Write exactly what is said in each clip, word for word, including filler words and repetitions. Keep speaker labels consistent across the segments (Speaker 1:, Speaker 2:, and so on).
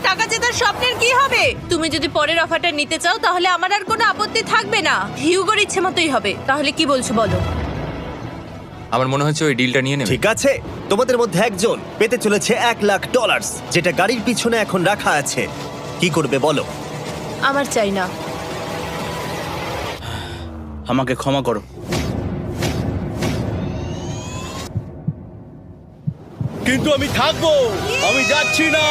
Speaker 1: টাকা জেতার স্বপ্নের কি হবে? তুমি যদি পরের অফারটা নিতে চাও তাহলে আমার আর কোনো আপত্তি থাকবে না। হিউগোর ইচ্ছে মতোই হবে। তাহলে কি বলছো বলো?
Speaker 2: আমার মনে হচ্ছে ওই ডিলটা নিয়ে নেবে।
Speaker 3: ঠিক আছে, তোমাদের মধ্যে একজন পেতে চলেছে এক লাখ ডলার, যেটা গাড়ির পিছনে এখন রাখা আছে। কি করবে বলো?
Speaker 1: আমার চাই না।
Speaker 4: আমাকে ক্ষমা করো। কিন্তু আমি থাকবো, আমি যাচ্ছি না।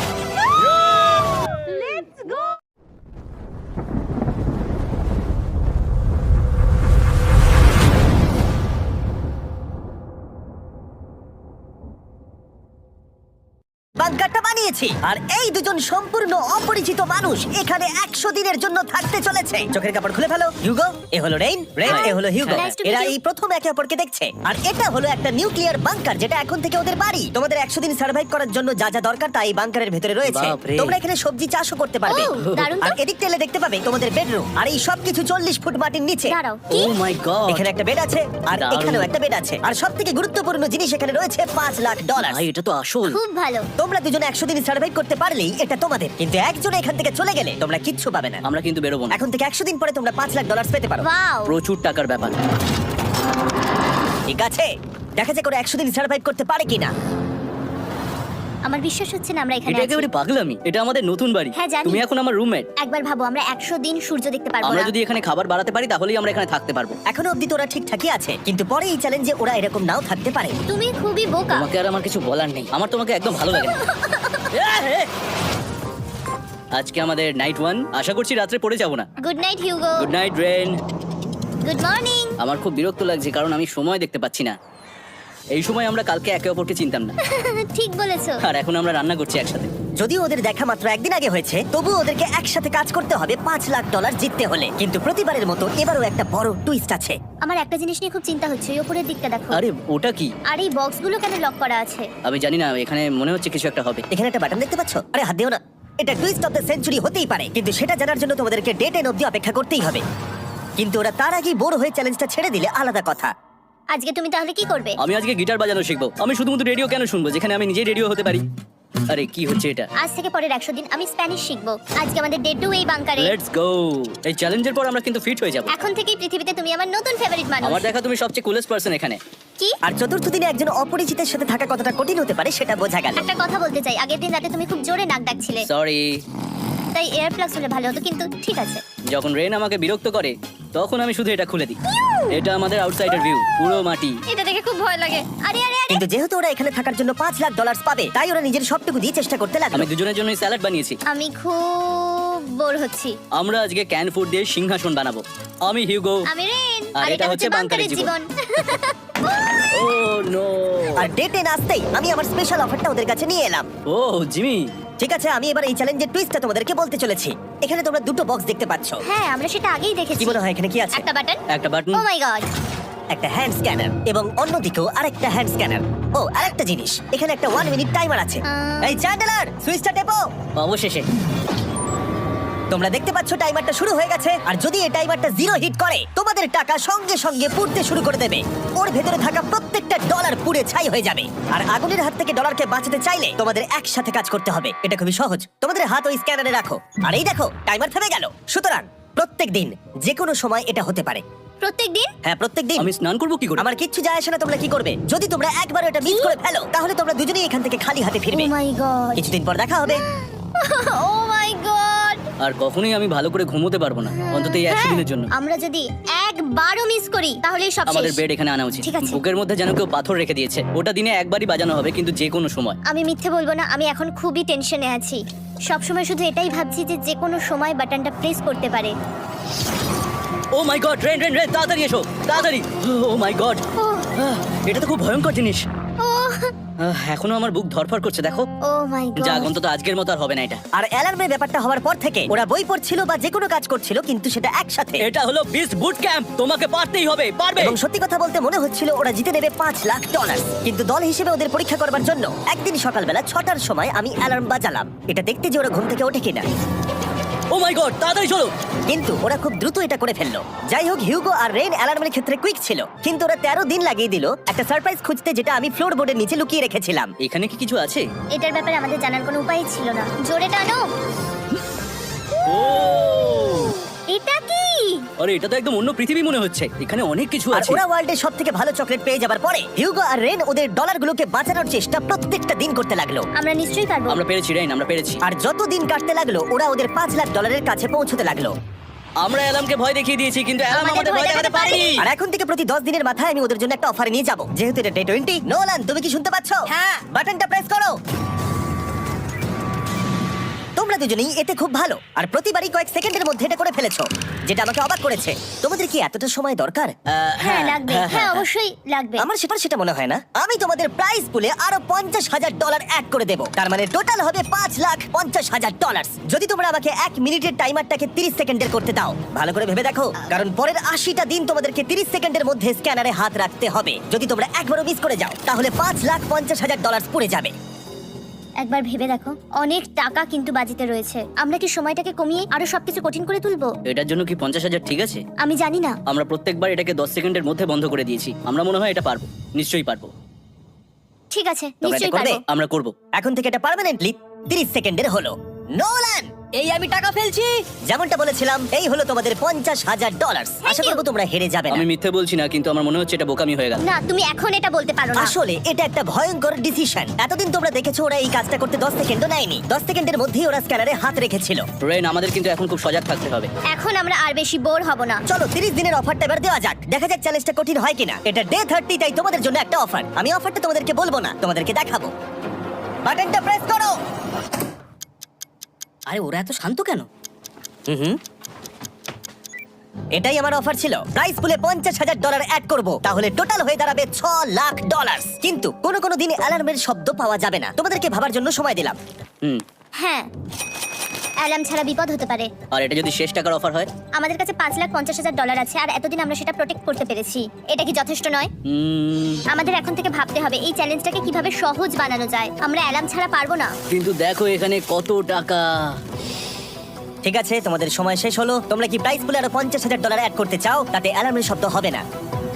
Speaker 5: বাঙ্কারটা বানিয়েছি আর এই দুজন সম্পূর্ণ অপরিচিত মানুষ এখানে একশো দিনের জন্য থাকতে চলেছে। চোখের কাপড় খুলে ফেলো। হিউগো, এ হলো রেইন, রেইন এ হলো হিউগো।
Speaker 6: Nice to meet
Speaker 5: এরা
Speaker 6: you.
Speaker 5: এই প্রথম একে অপরকে দেখছে। আর এটা হলো একটা নিউক্লিয়ার বাংকার, যেটা এখন থেকে ওদের বাড়ি। তোমাদের একশো দিন সার্ভাইভ করার জন্য যা যা দরকার তা এই বাংকারের ভেতরে রয়েছে।
Speaker 4: বাপরে।
Speaker 5: তোমরা এখানে সবজি চাষও করতে পারবে।
Speaker 6: ও, দারুণ তো।
Speaker 5: আর এদিক তেলে দেখতে পাবে তোমাদের বেডরুম। আর এই সবকিছু চল্লিশ ফুট মাটির নিচে।
Speaker 6: দাঁড়াও,
Speaker 4: ও
Speaker 6: কি?
Speaker 4: মাই গড,
Speaker 5: এখানে একটা বেড আছে আর
Speaker 4: দারুণ।
Speaker 5: এখানেও একটা বেড আছে। আর সবথেকে গুরুত্বপূর্ণ জিনিস এখানে রয়েছে পাঁচ লাখ ডলার।
Speaker 4: ভাই এটা তো আসল।
Speaker 6: খুব ভালো।
Speaker 5: তোমরা দুজনে একশো দিন সার্ভাইভ করতে পারলেই এটা তোমাদের, কিন্তু একজন এখান থেকে চলে গেলে তোমরা কিচ্ছু পাবে না।
Speaker 4: আমরা কিন্তু বেরোবো না।
Speaker 5: এখন থেকে একশো দিন পরে তোমরা পাঁচ লাখ ডলার পেতে পারো।
Speaker 6: ওয়াও।
Speaker 4: প্রচুর টাকার ব্যাপার।
Speaker 5: ঠিক আছে, দেখা যাক ওরা একশো দিন সার্ভাইভ করতে পারে কিনা।
Speaker 6: আমার বিশ্বাস হচ্ছে না আমরা এখানে
Speaker 4: এটা
Speaker 6: আছি।
Speaker 4: একেবারে পাগলামি। এটা আমাদের নতুন বাড়ি।
Speaker 6: হ্যাঁ, জানি।
Speaker 4: তুমি এখন আমার রুমমেট।
Speaker 6: একবার ভাবো আমরা একশো দিন সূর্য দেখতে পারবো
Speaker 4: আমরা
Speaker 6: না।
Speaker 4: যদি এখানে খাবার বাড়াতে পারি তাহলেই আমরা এখানে থাকতে পারবো।
Speaker 5: এখনো অব্দি তো ওরা ঠিকঠাকই আছে, কিন্তু পরে এই চ্যালেঞ্জে ওরা এরকম নাও থাকতে পারে।
Speaker 6: তুমি খুবই বোকা।
Speaker 4: তোমাকে আর আমার কিছু বলার নেই। আমার তোমাকে একদম ভালো লাগে না। আজকে আমাদের নাইট ওয়ান। আশা করছি রাত্রে পড়ে যাব না।
Speaker 6: Good night Hugo.
Speaker 4: Good night Rain.
Speaker 6: Good morning.
Speaker 4: আমার খুব বিরক্ত লাগছে কারণ আমি সময় দেখতে পাচ্ছি না। এই সময় আমরা কালকে একে অপরকে চিনতাম না,
Speaker 6: ঠিক বলেছো।
Speaker 4: আর এখন আমরা রান্না করছি একসাথে।
Speaker 5: যদিও ওদের দেখা মাত্র একদিন আগে হয়েছে, তবু ওদেরকে একসাথে কাজ করতে হবে পাঁচ লাখ ডলার জিততে হলে। কিন্তু প্রতিবারের মতো এবারও একটা বড় টুইস্ট আছে।
Speaker 6: আমার একটা জিনিস নিয়ে খুব চিন্তা হচ্ছে, ওই উপরের দিকটা দেখো।
Speaker 4: আরে ওটা কি?
Speaker 6: আর এই বক্সগুলো কেন লক করা আছে?
Speaker 4: আমি জানি না, এখানে মনে হচ্ছে কিছু একটা হবে।
Speaker 5: এখানে একটা বাটন দেখতে পাচ্ছ? আরে হাত দিও না। এটা টুইস্ট অফ দ্য সেঞ্চুরি হতেই পারে, কিন্তু সেটা জানার জন্য তোমাদেরকে ডে টেন অব্দি অপেক্ষা করতেই হবে। কিন্তু ওরা তার আগেই বোর হয়ে চ্যালেঞ্জটা ছেড়ে দিলে আলাদা কথা।
Speaker 6: আজকে তুমি তাহলে কি করবে?
Speaker 4: আমি আজকে গিটার বাজানো শিখবো। আমি শুধুমাত্র রেডিও কেন শুনবো যেখানে আমি নিজেই রেডিও হতে পারি? আরে কি হচ্ছে এটা?
Speaker 6: আজ থেকে পরের একশো দিন আমি স্প্যানিশ শিখবো। আজকে আমাদের ডে টু এই বাংকারে।
Speaker 4: Let's go. এই চ্যালেঞ্জের পর আমরা কিন্তু ফিট হয়ে যাব।
Speaker 6: এখন থেকেই পৃথিবীতে তুমি আমার নতুন ফেভারিট মানুষ।
Speaker 4: আমার দেখা তুমি সবচেয়ে কুলেস্ট পারসন এখানে।
Speaker 6: কি?
Speaker 5: আর চতুর্থ দিনে একজন অপরিচিতের সাথে থাকা কতটা কঠিন হতে পারে সেটা বোঝা গেল।
Speaker 6: একটা কথা বলতে চাই, আগের দিন রাতে তুমি খুব জোরে নাক ডাকছিলে,
Speaker 4: সরি।
Speaker 6: তাই এয়ার প্লাগস হলে ভালো হতো, কিন্তু ঠিক আছে।
Speaker 4: যখন রেন আমাকে বিরক্ত করে তখন আমি শুধু এটা খুলে দিই। এটা আমাদের আউটসাইডার ভিউ, পুরো মাটি।
Speaker 6: এটা দেখে খুব ভয় লাগে। আরে আরে আরে,
Speaker 5: কিন্তু যেহেতু ওরা এখানে থাকার জন্য পাঁচ লাখ ডলার পাবে, তাই ওরা নিজের সবটুকু দিয়ে চেষ্টা করতে লাগলো।
Speaker 4: আমি দুজনের জন্য স্যালাড বানিয়েছি।
Speaker 6: আমি খুব বোর হচ্ছি।
Speaker 4: আমরা আজকে ক্যান ফুড দিয়ে সিংহাসন বানাবো। আমি হিউগো।
Speaker 6: আমি রেন,
Speaker 4: আর
Speaker 6: আর
Speaker 4: এটা
Speaker 6: এটা
Speaker 4: হচ্ছে
Speaker 6: হচ্ছে
Speaker 4: বাংকারের
Speaker 6: বাংকারের জীবন।
Speaker 4: Oh no.
Speaker 5: আর ডে টেন আসতেই আমি আমার স্পেশাল অফারটা ওদের কাছে নিয়ে এলাম।
Speaker 4: Oh Jimmy.
Speaker 5: ঠিক আছে, আমি এবার এই চ্যালেঞ্জের টুইস্টটা তোমাদেরকে বলতে চলেছি। এখানে তোমরা দুটো বক্স দেখতে পাচ্ছ।
Speaker 6: হ্যাঁ, আমরা সেটা আগেই দেখেছি।
Speaker 5: কি মনে হয় এখানে কি আছে?
Speaker 6: একটা বাটন।
Speaker 4: একটা বাটন।
Speaker 6: Oh my god.
Speaker 5: একটা হ্যান্ড স্ক্যানার এবং অন্যদিকেও আরেকটা হ্যান্ড স্ক্যানার। ও, আরেকটা জিনিস, এখানে একটা ওয়ান মিনিট টাইমার আছে।
Speaker 6: আহ।
Speaker 5: এই চ্যান্ডেলার, সুইচটা টেপো।
Speaker 4: অবশেষে।
Speaker 5: তোমরা দেখতে পাচ্ছ টাইমারটা শুরু হয়ে গেছে। আর যদি এই টাইমারটা জিরো হিট করে, তোমাদের টাকা সঙ্গে সঙ্গে পুড়তে শুরু করে দেবে। ওর ভেতরে থাকা প্রত্যেকটা ডলার পুড়ে ছাই হয়ে যাবে। আর আগুনের হাত থেকে ডলারকে বাঁচাতে চাইলে তোমাদের একসাথে কাজ করতে হবে। এটা খুবই সহজ। তোমাদের হাত ওই স্ক্যানারে রাখো। আর এই দেখো, টাইমার থেমে গেল। সুতরাং প্রত্যেক দিন যে কোনো সময় এটা হতে পারে।
Speaker 6: প্রত্যেকদিন?
Speaker 5: হ্যাঁ, প্রত্যেক দিন।
Speaker 4: আমি স্নান করবো কি করে?
Speaker 5: আমার কিচ্ছু যায় আসে না তোমরা কি করবে। যদি তোমরা একবার এটা মিস করে ফেলো, তাহলে তোমরা দুজনেই এখান থেকে খালি হাতে
Speaker 6: ও
Speaker 5: ফিরবে।
Speaker 6: My god.
Speaker 5: কিছুদিন পর দেখা হবে।
Speaker 6: ও মাই গড।
Speaker 4: আর কখনোই আমি ভালো করে ঘুমোতে পারবো না, অন্তত এই একশো দিনের জন্য।
Speaker 6: আমরা যদি একবারও মিস করি তাহলে সব
Speaker 4: আমাদের
Speaker 6: শেষ।
Speaker 4: বেড এখানে আনা উচিত।
Speaker 6: ঠিক আছে।
Speaker 4: বুকের মধ্যে যেন কেউ পাথর রেখে দিয়েছে। ওটা দিনে একবারই বাজানো হবে, কিন্তু যে কোনো সময়।
Speaker 6: আমি মিথ্যে বলবো না, আমি এখন খুবই টেনশনে আছি। সব সময় শুধু এটাই ভাবছি যে যে কোনো সময় বাটনটা প্রেস করতে পারে।
Speaker 4: Oh my god, Rain Rain Rain, তাড়াতাড়ি এসো, তাড়াতাড়ি। ও মাই গড,
Speaker 6: ও
Speaker 4: এটা তো খুব ভয়ঙ্কর জিনিস।
Speaker 6: ও
Speaker 4: আহ, এখনো আমার বুক ধরফর করছে, দেখো।
Speaker 6: ও মাই
Speaker 4: যাক,
Speaker 6: গড।
Speaker 4: অন্তত আজকের মতো আর হবে না এটা।
Speaker 5: আর অ্যালার্মের ব্যাপারটা হওয়ার পর থেকে ওরা বই পড়ছিল বা যে কোনো কাজ করছিল, কিন্তু সেটা একসাথে।
Speaker 4: এটা হলো বিস্ট বুট ক্যাম্প, তোমাকে পারতেই হবে, পারবে।
Speaker 5: এবং সত্যি কথা বলতে মনে হচ্ছিল ওরা জিতে নেবে পাঁচ লাখ ডলার। কিন্তু দল হিসেবে ওদের পরীক্ষা করবার জন্য একদিন সকালবেলা ছটার সময় আমি অ্যালার্ম বাজালাম, এটা দেখতে যে ওরা ঘুম থেকে ওঠে কিনা।
Speaker 4: ও মাই গড, তাড়াতাড়ি চলো।
Speaker 5: কিন্তু ওরা খুব দ্রুত এটা করে ফেললো। যাই হোক, হিউগো আর রেইন অ্যালার্মের ক্ষেত্রে কুইক ছিল, কিন্তু ওরা তেরো দিন লাগিয়ে দিল একটা সারপ্রাইজ খুঁজতে, যেটা আমি ফ্লোর বোর্ডের নিচে লুকিয়ে রেখেছিলাম।
Speaker 4: এখানে কি কিছু আছে?
Speaker 6: এটার ব্যাপারে আমাদের জানার কোনো উপায় ছিল না। জোরে টানো।
Speaker 4: ও
Speaker 6: এটা কি?
Speaker 4: আরে এটা তো একদম অন্য পৃথিবী মনে হচ্ছে, এখানে অনেক কিছু
Speaker 5: আর
Speaker 4: আছে।
Speaker 5: ওরা ওয়ার্ল্ডের সব থেকে ভালো চকলেট পেয়ে যাবার পরে হিউগো আর রেন ওদের ডলারগুলোকে বাঁচানোর চেষ্টা প্রত্যেকটা দিন করতে লাগলো।
Speaker 6: আমরা নিশ্চয়ই পারবো।
Speaker 4: আমরা পেরেছি রেইন, আমরা পেরেছি।
Speaker 5: আর যত দিন কাটতে লাগলো ওরা ওদের পাঁচ লাখ ডলারের কাছে পৌঁছতে লাগলো।
Speaker 4: আমরা অ্যালামকে ভয় দেখিয়ে দিয়েছি, কিন্তু অ্যালাম
Speaker 6: আমাদের
Speaker 4: আমাদের
Speaker 6: ভয়
Speaker 4: ভয় দেখাতে
Speaker 6: দেখাতে
Speaker 4: পারেনি।
Speaker 6: পারেনি।
Speaker 5: আর এখন থেকে প্রতি দশ দিনের মাথায় আমি ওদের জন্য একটা অফার নিয়ে যাব, যেহেতু এটা ডে টোয়েন্টি। নোলান, তুমি কি শুনতে পাচ্ছ?
Speaker 6: হ্যাঁ।
Speaker 5: বাটনটা প্রেস করো। তোমরা দুজনেই এতে খুব ভালো, আর প্রতিবারই কয়েক সেকেন্ডের মধ্যে এটা করে ফেলেছো, যেটা আমাকে অবাক করেছে। তোমাদের কি এতটা সময় দরকার?
Speaker 4: আহ,
Speaker 6: হ্যাঁ লাগবে, হ্যাঁ অবশ্যই লাগবে।
Speaker 5: আমার সেটা সেটা মনে হয় না। আমি তোমাদের প্রাইস পুলে আরো পঞ্চাশ হাজার ডলার অ্যাড করে দেবো, তার মানে টোটাল হবে পাঁচ লাখ পঞ্চাশ হাজার ডলার, যদি তোমরা আমাকে এক মিনিটের টাইমারটাকে তিরিশ সেকেন্ডের করতে দাও। ভালো করে ভেবে দেখো, কারণ পরের আশিটা দিন তোমাদেরকে তিরিশ সেকেন্ডের মধ্যে স্ক্যানারে হাত রাখতে হবে। যদি তোমরা একবারও মিস করে যাও তাহলে পাঁচ লাখ পঞ্চাশ হাজার ডলার পড়ে যাবে।
Speaker 6: একবার ভেবে দেখো, অনেক টাকা কিন্তু বাজিতে রয়েছে। আমরা কি সময়টাকে কমিয়ে আরো সবকিছু কঠিন করে তুলবো?
Speaker 4: এটার জন্য কি পঞ্চাশ হাজার ঠিক আছে?
Speaker 6: আমি জানি না।
Speaker 4: আমরা প্রত্যেকবার এটাকে দশ সেকেন্ডের মধ্যে বন্ধ করে দিয়েছি। আমরা মনে হয় এটা পারবো, নিশ্চয়ই পারবো।
Speaker 6: ঠিক আছে,
Speaker 5: তোমরা এটা
Speaker 6: নিশ্চয়ই
Speaker 5: করবে?
Speaker 6: পারবো।
Speaker 4: আমরা করব।
Speaker 5: এখন থেকে এটা পার্মানেন্টলি তিরিশ সেকেন্ডের হলো। নোলান,
Speaker 4: এই আমি টাকা ফেলছি।
Speaker 5: যেমনটা বলেছিলাম, এই হলো তোমাদের পঞ্চাশ হাজার ডলার। আশা করবো তোমরা হেরে যাবে না।
Speaker 4: আমি মিথ্যে বলছি না, কিন্তু আমার মনে হচ্ছে এটা বোকামি হয়ে গেল।
Speaker 6: না, তুমি এখন এটা বলতে পারো না।
Speaker 5: আসলে এটা একটা ভয়ঙ্কর ডিসিশন। এতদিন তোমরা দেখেছো ওরা এই কাজটা করতে দশ সেকেন্ডও নেয়নি। দশ সেকেন্ডের মধ্যেই ওরা স্ক্যানারে হাত রেখেছিল।
Speaker 4: রেইন, আমাদের কিন্তু এখন খুব সজাগ থাকতে হবে।
Speaker 6: এখন আমরা আর বেশি বোর হব না।
Speaker 5: চলো তিরিশ দিনের অফারটা এবার দেওয়া যাক, দেখা যাক চ্যালেঞ্জটা কঠিন হয় কিনা। এটা ডে থার্টি, তাই তোমাদের জন্য একটা অফার। আমি অফারটা তোমাদেরকে বলবো না, তোমাদেরকে দেখাবো। বাটনটা প্রেস করো।
Speaker 4: আরে ওরা এত শান্ত কেন?
Speaker 5: হুম, এটাই আমার অফার ছিল। প্রাইস পুলে পঞ্চাশ হাজার ডলার অ্যাড করব, তাহলে টোটাল হয়ে দাঁড়াবে ছ লাখ ডলার। কিন্তু কোনো কোনো দিন অ্যালার্মের শব্দ পাওয়া যাবে না। তোমাদেরকে ভাবার জন্য সময় দিলাম।
Speaker 4: হুম।
Speaker 6: হ্যাঁ, অ্যালার্ম ছাড়া বিপদ হতে পারে।
Speaker 4: আর এটা যদি শেষ টাকার অফার হয়?
Speaker 6: আমাদের কাছে পাঁচ লাখ পঞ্চাশ হাজার ডলার আছে, আর এতদিন আমরা সেটা প্রোটেক্ট করতে পেরেছি। এটা কি যথেষ্ট নয়?
Speaker 4: হুম,
Speaker 6: আমাদের এখন থেকে ভাবতে হবে এই চ্যালেঞ্জটাকে কিভাবে সহজ বানানো যায়। আমরা অ্যালার্ম ছাড়া পারবো না।
Speaker 4: কিন্তু দেখো এখানে কত টাকা।
Speaker 5: ঠিক আছে, তোমাদের সময় শেষ হলো। তোমরা কি প্রাইস পুলে আরো পঞ্চাশ হাজার ডলার অ্যাড করতে চাও? তাতে অ্যালার্মের শব্দ হবে না।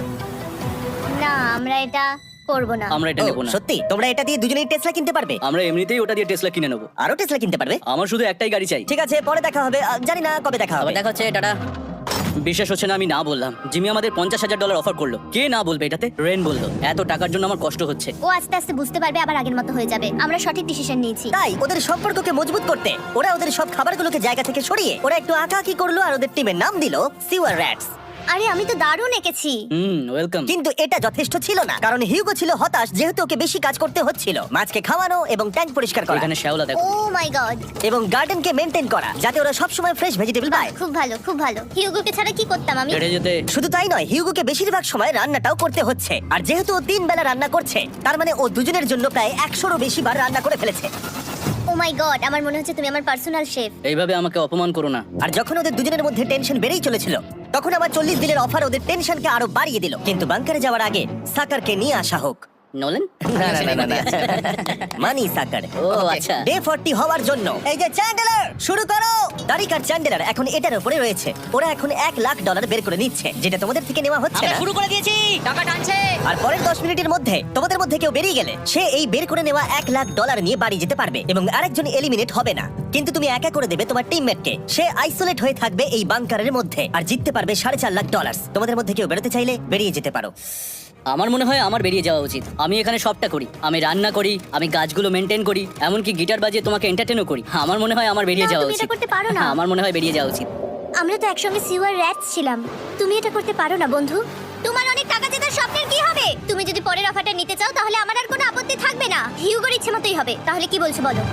Speaker 6: না, আমরা এটা করবো না।
Speaker 4: আমরা এটা
Speaker 5: ও,
Speaker 4: নেব না।
Speaker 5: সত্যি? তোমরা এটা দিয়ে দুজনেই টেসলা কিনতে পারবে?
Speaker 4: আমরা এমনিতেই ওটা দিয়ে টেসলা কিনে নেবো।
Speaker 5: আরো টেসলা কিনতে পারবে?
Speaker 4: আমার শুধু একটাই গাড়ি চাই।
Speaker 5: ঠিক আছে, পরে দেখা হবে। আহ, জানি না কবে দেখা হবে।
Speaker 4: আবার দেখা হচ্ছে, টাটা। বিশ্বাস হচ্ছে না আমি না বললাম। জিমি আমাদের পঞ্চাশ হাজার ডলার অফার করলো। কে না বলবে এটাতে? রেন বললো। এত টাকার জন্য আমার কষ্ট হচ্ছে।
Speaker 6: ও আস্তে আস্তে বুঝতে পারবে, আবার আগের মতো হয়ে যাবে। আমরা সঠিক ডিসিশন নিয়েছি।
Speaker 5: তাই ওদের সম্পর্ককে মজবুত করতে ওরা ওদের সব খাবারগুলোকে জায়গা থেকে সরিয়ে ওরা একটু আঁকাআঁকি করলো, আর ওদের টিমের নাম দিল সিওয়ার র্যাটস।
Speaker 6: আরে আমি তো দারুণ এঁকেছি।
Speaker 4: Hmm, welcome.
Speaker 5: কিন্তু এটা যথেষ্ট ছিল না, কারণ হিউগো ছিল হতাশ, যেহেতু ওকে বেশি কাজ করতে হচ্ছিল। মাছকে খাওয়ানো এবং ট্যাঙ্ক পরিষ্কার করা
Speaker 4: এখানে শ্যাওলা দেখো।
Speaker 6: Oh my god.
Speaker 5: এবং গার্ডেনকে মেনটেন করা, যাতে ওরা সবসময় ফ্রেশ ভেজিটেবল পায়।
Speaker 6: খুব ভালো, খুব ভালো। হিউগোকে ছাড়া কি করতাম আমি?
Speaker 4: হেঁটে যেতে।
Speaker 5: শুধু তাই নয়, হিউগোকে বেশিরভাগ সময় রান্নাটাও করতে হচ্ছে। আর যেহেতু ও তিন বেলা রান্না করছে, তার মানে ও দুজনের জন্য প্রায় একশোরও বেশি বার রান্না করে ফেলেছে।
Speaker 6: ও মাই গড, আমার মনে হচ্ছে তুমি আমার পার্সোনাল শেফ।
Speaker 4: এইভাবে আমাকে অপমান করো না।
Speaker 5: আর যখন ওদের দুজনের মধ্যে টেনশন বেড়েই চলেছিল, তখন আমার চল্লিশ দিনের অফার ওদের টেনশনকে আরো বাড়িয়ে দিল। কিন্তু বাংকারে যাওয়ার আগে সাকারকে নিয়ে আসা হোক।
Speaker 4: নোলেন?
Speaker 5: না, না, না, না, না। মানি সাকার।
Speaker 4: ও আচ্ছা।
Speaker 5: ডে ফর্টি হওয়ার জন্য এই যে চ্যান্ডেলার, শুরু করো। তারিক আর চ্যান্ডেলার এখন এটার উপরে রয়েছে। ওরা এখন এক লাখ ডলার বের করে নিচ্ছে, যেটা তোমাদের থেকে নেওয়া হচ্ছে
Speaker 4: আমরা
Speaker 5: না।
Speaker 4: শুরু করে দিয়েছি, টাকা টানছে।
Speaker 5: আর পরের দশ মিনিটের মধ্যে তোমাদের মধ্যে কেউ বেরিয়ে গেলে সে এই বের করে নেওয়া এক লাখ ডলার নিয়ে বাড়ি যেতে পারবে, এবং আরেকজন এলিমিনেট হবে না। কিন্তু তুমি একা করে দেবে তোমার টিমমেটকে। সে আইসোলেট হয়ে থাকবে এই বাংকারের মধ্যে, আর জিততে পারবে সাড়ে চার লাখ ডলার। তোমাদের মধ্যে কেউ বেরোতে চাইলে বেরিয়ে যেতে পারো।
Speaker 4: আমার মনে হয় আমার বেরিয়ে যাওয়া উচিত। আমি এখানে সবটা করি, আমি রান্না করি, আমি গাছগুলো মেনটেন করি, এমনকি গিটার বাজিয়ে তোমাকে এন্টারটেনও করি। আমার মনে হয় আমার বেরিয়ে
Speaker 6: না,
Speaker 4: যাওয়া
Speaker 6: তুমি এটা
Speaker 4: উচিত।
Speaker 6: করতে পারো না।
Speaker 4: হ্যাঁ, আমার মনে হয় বেরিয়ে যাওয়া উচিত।
Speaker 6: আমরা তো একসঙ্গে সিওয়ার র্যাটস ছিলাম। তুমি এটা করতে পারো না বন্ধু। তোমার অনেক টাকা জেতার স্বপ্নের কি হবে? তুমি যদি পরের অফারটা নিতে চাও তাহলে আমার আর কোনো আপত্তি থাকবে না। হিউগোর ইচ্ছে মতোই হবে। তাহলে কি বলছো বলো?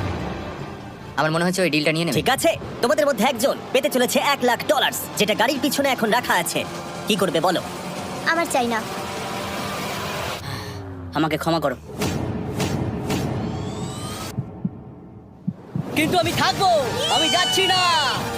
Speaker 4: আমার মনে হচ্ছে ওই ডিলটা নিয়ে নেবে।
Speaker 5: ঠিক আছে, তোমাদের মধ্যে একজন পেতে চলেছে এক লাখ ডলার, যেটা গাড়ির পিছনে এখন রাখা আছে। কি করবে বলো?
Speaker 6: আমার চাই না।
Speaker 4: আমাকে ক্ষমা করো, কিন্তু আমি থাকবো। আমি যাচ্ছি না।